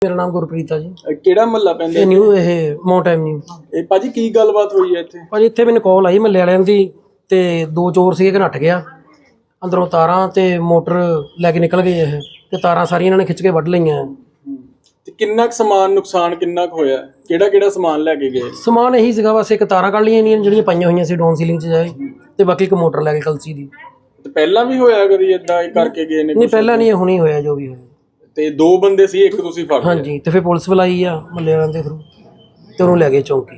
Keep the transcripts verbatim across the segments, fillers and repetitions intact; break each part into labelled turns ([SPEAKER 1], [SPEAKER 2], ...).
[SPEAKER 1] मेरा नाम गुरप्रीत है जी।
[SPEAKER 2] ਕਿਹੜਾ ਮਹੱਲਾ ਪੈਂਦਾ
[SPEAKER 1] ਇਹ ਨਿਊ ਇਹ ਮਾਊਂਟ ਐਵਨਿਊ।
[SPEAKER 2] ਇਹ ਭਾਜੀ ਕੀ ਗੱਲਬਾਤ ਹੋਈ ਹੈ ਇੱਥੇ?
[SPEAKER 1] ਭਾਜੀ ਇੱਥੇ ਮੈਨੂੰ ਕਾਲ ਆਈ ਮਹੱਲੇ ਵਾਲਿਆਂ ਦੀ ਤੇ ਦੋ ਚੋਰ ਸੀਗੇ ਕਿ ਨੱਠ ਗਿਆ ਅੰਦਰੋਂ ਤਾਰਾਂ ਤੇ ਮੋਟਰ ਲੈ ਕੇ ਨਿਕਲ ਗਏ ਇਹ ਤੇ ਤਾਰਾਂ ਸਾਰੀਆਂ ਇਹਨਾਂ ਨੇ ਖਿੱਚ ਕੇ ਵੱਢ ਲਈਆਂ।
[SPEAKER 2] ਤੇ ਕਿੰਨਾ ਕੁ ਸਮਾਨ ਨੁਕਸਾਨ ਕਿੰਨਾ ਕੁ ਹੋਇਆ? ਕਿਹੜਾ ਕਿਹੜਾ ਸਮਾਨ ਲੈ ਕੇ ਗਏ?
[SPEAKER 1] ਸਮਾਨ ਇਹੀ ਸੀਗਾ ਬਸ ਇੱਕ ਤਾਰਾਂ ਕੱਢ ਲਈਆਂ ਇਹਨਾਂ ਜਿਹੜੀਆਂ ਪਾਈਆਂ ਹੋਈਆਂ ਸੀ ਡਾਊਨ ਸੀਲਿੰਗ 'ਚ ਜਾਏ ਤੇ ਬਾਕੀ ਇੱਕ ਮੋਟਰ ਲੈ ਕੇ ਕਲਸੀ ਦੀ।
[SPEAKER 2] ਤੇ ਪਹਿਲਾਂ ਵੀ ਹੋਇਆ ਕਦੀ ਇਦਾਂ ਕਰਕੇ ਗਏ ਨੇ?
[SPEAKER 1] ਨਹੀਂ ਪਹਿਲਾਂ ਨਹੀਂ, ਹੁਣੀ ਹੋਇਆ ਜੋ ਵੀ ਹੋਇਆ।
[SPEAKER 2] ਤੇ ਦੋ ਬੰਦੇ ਸੀ, ਇੱਕ ਤੁਸੀਂ ਫੜ ਲਿਆ?
[SPEAKER 1] ਹਾਂਜੀ, ਤੇ ਫਿਰ ਪੁਲਿਸ ਬੁਲਾਈ ਆ ਮਹੱਲੇ ਵਾਲਿਆਂ ਦੇ ਥਰੂ ਤੇ ਉਹਨੂੰ ਲੈ ਗਏ ਚੌਂਕੀ।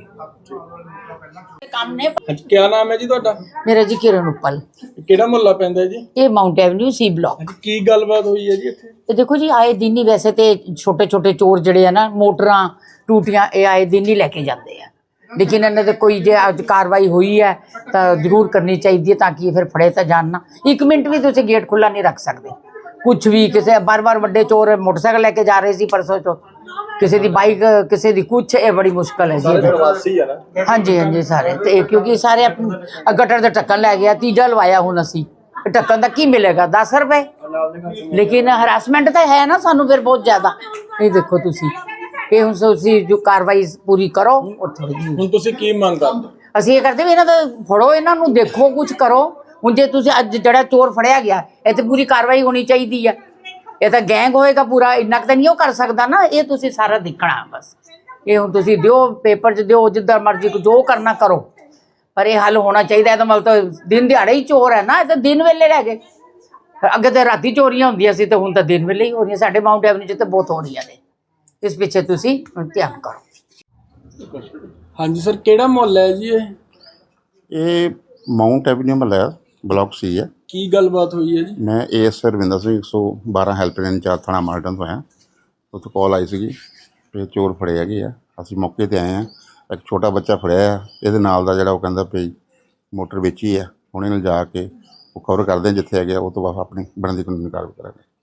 [SPEAKER 2] ਹਾਂਜੀ, ਕੀ ਨਾਮ ਹੈ ਜੀ ਤੁਹਾਡਾ?
[SPEAKER 3] मेरा जी किरण उपल,
[SPEAKER 2] ਕਿਹੜਾ ਮੁਹੱਲਾ ਪੈਂਦਾ ਜੀ?
[SPEAKER 3] ये माउंट एवन्यू सी ब्लॉक।
[SPEAKER 2] ਹਾਂਜੀ, ਕੀ ਗੱਲਬਾਤ ਹੋਈ ਹੈ ਜੀ ਇੱਥੇ?
[SPEAKER 3] ਤੇ ਦੇਖੋ ਜੀ ਆਏ ਦਿਨ ਹੀ ਵੈਸੇ ਤੇ ਛੋਟੇ ਛੋਟੇ ਚੋਰ ਜਿਹੜੇ ਆ ਨਾ ਮੋਟਰਾਂ ਟੂਟੀਆਂ ਇਹ ਆਏ ਦਿਨ ਹੀ ਲੈ ਕੇ ਜਾਂਦੇ ਆ, ਲੇਕਿਨ ਇਹਨਾਂ ਦੇ ਕੋਈ ਜੇ ਅੱਜ ਕਾਰਵਾਈ ਹੋਈ ਹੈ ਤਾਂ ਜ਼ਰੂਰ ਕਰਨੀ ਚਾਹੀਦੀ ਹੈ ਤਾਂ ਕਿ ਇਹ ਫਿਰ ਫੜੇ ਤਾਂ ਜਾਣ ਨਾ। ਇੱਕ ਮਿੰਟ ਵੀ ਤੁਸੀਂ ਗੇਟ ਖੁੱਲਾ ਨਹੀਂ ਰੱਖ ਸਕਦੇ। ਕੁਛ ਵੀ ਕਿਸੇ ਬਾਰ ਬਾਰ ਵੱਡੇ ਚੋਰ ਮੋਟਰਸਾਈਕਲ ਲੈ ਕੇ ਜਾ ਰਹੇ ਸੀ ਪਰਸੋਂ ਚੋ, ਕਿਸੇ ਦੀ ਬਾਈਕ ਕਿਸੇ ਦੀ ਕੁਛ, ਇਹ ਬੜੀ ਮੁਸ਼ਕਲ ਹੈ ਜੀ।
[SPEAKER 2] ਪ੍ਰਵਾਸੀ ਆ ਨਾ?
[SPEAKER 3] ਹਾਂਜੀ ਹਾਂਜੀ ਸਾਰੇ ਤੇ ਕਿਉਂਕਿ ਸਾਰੇ ਆਪਣੇ ਗਟਰ ਦਾ ਢੱਕਣ ਲੈ ਗਿਆ, ਤੀਜਾ ਲਵਾਇਆ ਹੁਣ ਅਸੀਂ। ਢੱਕਣ ਦਾ ਕੀ ਮਿਲੇਗਾ? ਦਸ ਰੁਪਏ, ਲੇਕਿਨ ਹਰਾਸਮੈਂਟ ਤਾਂ ਹੈ ਨਾ ਸਾਨੂੰ ਫਿਰ ਬਹੁਤ ਜ਼ਿਆਦਾ। ਇਹ ਦੇਖੋ ਤੁਸੀਂ, ਇਹ ਹੁਣ ਤੁਸੀਂ ਜੋ ਕਾਰਵਾਈ ਪੂਰੀ ਕਰੋ।
[SPEAKER 2] ਹੁਣ ਤੁਸੀਂ ਕੀ ਮੰਗ ਕਰਦੇ?
[SPEAKER 3] ਅਸੀਂ ਇਹ ਕਰਦੇ ਵੀ ਇਹਨਾਂ ਦਾ ਫੜੋ, ਇਹਨਾਂ ਨੂੰ ਦੇਖੋ, ਕੁਝ ਕਰੋ। ਹੁਣ ਜੇ ਤੁਸੀਂ ਅੱਜ ਜਿਹੜਾ ਚੋਰ ਫੜਿਆ ਗਿਆ ਇਹ ਤੇ ਪੂਰੀ ਕਾਰਵਾਈ ਹੋਣੀ ਚਾਹੀਦੀ ਹੈ। ਇਹ ਤਾਂ ਗੈਂਗ ਹੋਏਗਾ ਪੂਰਾ, ਇੰਨਾ ਕੁ ਤਾਂ ਨਹੀਂ ਉਹ ਕਰ ਸਕਦਾ ਨਾ। ਇਹ ਤੁਸੀਂ ਸਾਰਾ ਦੇਖਣਾ ਬਸ। ਇਹ ਹੁਣ ਤੁਸੀਂ ਦਿਓ ਪੇਪਰ 'ਚ ਦਿਓ, ਜਿੱਦਾਂ ਮਰਜ਼ੀ ਜੋ ਕਰਨਾ ਕਰੋ, ਪਰ ਇਹ ਹੱਲ ਹੋਣਾ ਚਾਹੀਦਾ। ਇਹ ਤਾਂ ਮਤਲਬ ਤਾਂ ਦਿਨ ਦਿਹਾੜੇ ਹੀ ਚੋਰ ਹੈ ਨਾ, ਇਹ ਤਾਂ ਦਿਨ ਵੇਲੇ ਰਹਿ ਗਏ। ਅੱਗੇ ਤਾਂ ਰਾਤੀ ਚੋਰੀਆਂ ਹੁੰਦੀਆਂ ਸੀ ਤੇ ਹੁਣ ਤਾਂ ਦਿਨ ਵੇਲੇ ਹੀ ਹੋ ਰਹੀਆਂ। ਸਾਡੇ ਮਾਊਂਟ ਐਵਨਿਊ 'ਚ ਤਾਂ ਬਹੁਤ ਹੋ ਰਹੀਆਂ ਨੇ। ਇਸ ਪਿੱਛੇ ਤੁਸੀਂ ਧਿਆਨ ਕਰੋ।
[SPEAKER 2] ਹਾਂਜੀ ਸਰ, ਕਿਹੜਾ ਮੁਹੱਲਾ ਹੈ ਜੀ ਇਹ?
[SPEAKER 4] ਇਹ ਮਾਊਂਟ ਐਵਨਿਊ ਮਹੱਲਾ ਬਲਾਕ ਸੀ ਹੈ।
[SPEAKER 2] ਕੀ ਗੱਲਬਾਤ ਹੋਈ ਹੈ ਜੀ?
[SPEAKER 4] ਮੈਂ ਏ ਐਸ ਰਵਿੰਦਰ ਸਿੰਘ ਇੱਕ ਸੌ ਬਾਰਾਂ ਹੈਲਪਲਾਈਨ ਇੰਚਾਰਜ ਥਾਣਾ ਮਾਲਟਨ ਤੋਂ ਆਇਆ। ਉੱਥੇ ਕਾਲ ਆਈ ਸੀਗੀ ਕਿ ਚੋਰ ਫੜੇ ਹੈਗੇ ਆ। ਅਸੀਂ ਮੌਕੇ 'ਤੇ ਆਏ ਹਾਂ। ਇੱਕ ਛੋਟਾ ਬੱਚਾ ਫੜਿਆ ਆ, ਇਹਦੇ ਨਾਲ ਦਾ ਜਿਹੜਾ ਉਹ ਕਹਿੰਦਾ ਵੀ ਮੋਟਰ ਵੇਚੀ ਆ। ਹੁਣ ਇਹਨੂੰ ਜਾ ਕੇ ਉਹ ਕਵਰ ਕਰਦੇ ਜਿੱਥੇ ਹੈਗੇ ਉਹ ਤੋਂ ਬਾਅਦ ਆਪਣੀ ਬਣਦੀ ਕਾਨੂੰਨੀ ਕਾਰਵਾਈ ਕਰਾਂਗੇ।